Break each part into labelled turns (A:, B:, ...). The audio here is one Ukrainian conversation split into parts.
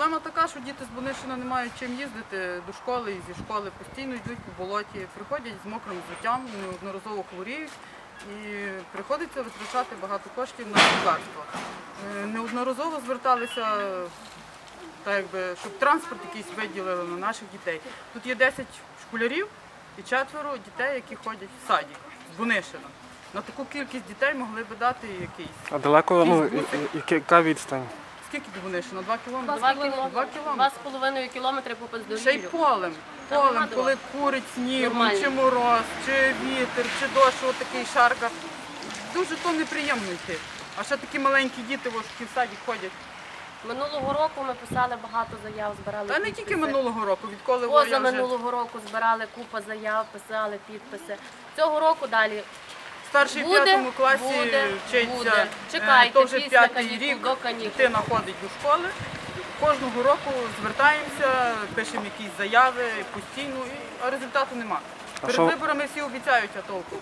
A: Проблема така, що діти з Бунищина не мають чим їздити до школи, і зі школи постійно йдуть по болоті, приходять з мокрим взуттям, неодноразово хворіють і приходиться витрачати багато коштів на лікарства. Неодноразово зверталися, так якби, щоб транспорт якийсь виділили на наших дітей. Тут є 10 школярів і 4 дітей, які ходять в садик з Бунищина. На таку кількість дітей могли б дати якийсь.
B: А далеко, яка відстань?
A: Скільки до Бунищина? 2 кілометри?
C: 2 кілометри.
A: 2
C: 2,5 кілометри по
A: Ще й
C: бездоріжжю.
A: полем, коли курить сніг,
C: Нормально.
A: чи мороз, чи вітер, чи дощ, отакий шарка. Дуже то неприємно йти. А ще такі маленькі діти, які в саді ходять.
C: Минулого року ми писали багато заяв, збирали
A: Та не
C: підписи.
A: тільки минулого року, відколи я
C: Поза
A: вже...
C: минулого року збирали купа заяв, писали підписи. Цього року далі
A: Старший в
C: буде,
A: 5 класі
C: буде.
A: вчиться,
C: Чекайте,
A: то вже
C: після
A: 5-й
C: канікул,
A: рік,
C: до канікул.
A: дитина ходить до школи. Кожного року звертаємося, пишемо якісь заяви постійно, а результату нема. Перед виборами всі обіцяють, а толку.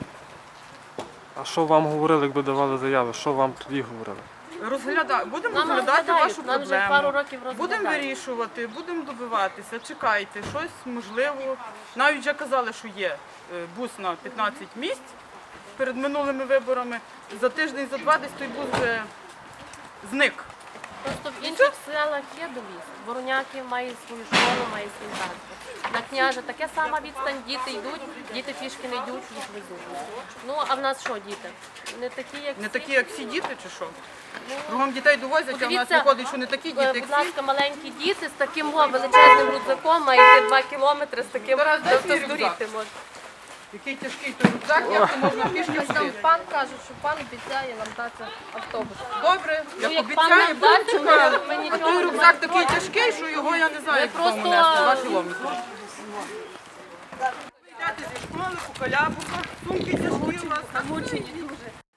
B: А що вам говорили, якби давали заяви? Що вам тоді говорили?
A: Будемо
C: Нам
A: розглядати
C: розглядають,
A: вашу
C: нам вже пару
A: проблему.
C: років розглядають.
A: Будемо вирішувати, будемо добиватися, чекайте, щось можливо. Навіть вже казали, що є бус на 15 місць перед минулими виборами. За тиждень, за 2 десь той бус вже зник.
C: Просто в інших селах є довіз. Вороняки має свою школу, має свій транспорт. На княжа таке сама відстань, діти йдуть, діти пішки не йдуть, їх везуть. Ну, а в нас що, діти? Не такі, як
A: Не
C: всі.
A: такі, як всі діти, чи що? Кругом дітей довозять, а в нас
C: Подивіться,
A: виходить, що не такі діти, як
C: Будь
A: всі.
C: ласка, маленькі діти з таким величезним рюкзаком, маєте 2 кілометри з таким,
A: Тарас, дай свій
C: здуріти
A: рюкзак.
C: можна.
A: Який тяжкий той рюкзак, як то можна пішки
D: Там
A: ходити.
D: пан каже, що пан обіцяє нам дати автобус.
A: Добре, як
C: як пан
A: обіцяє,
C: нам
A: будемо
C: дасть,
A: чекати.
C: ми
A: А
C: нічого
A: той
C: не
A: рюкзак
C: будемо
A: такий тяжкий, що його я не знаю, як
C: просто-
A: додому нести, 2 кілометри. Йдете зі школи, по калябуках, сумки тяжкі у вас.
C: Замучені дуже.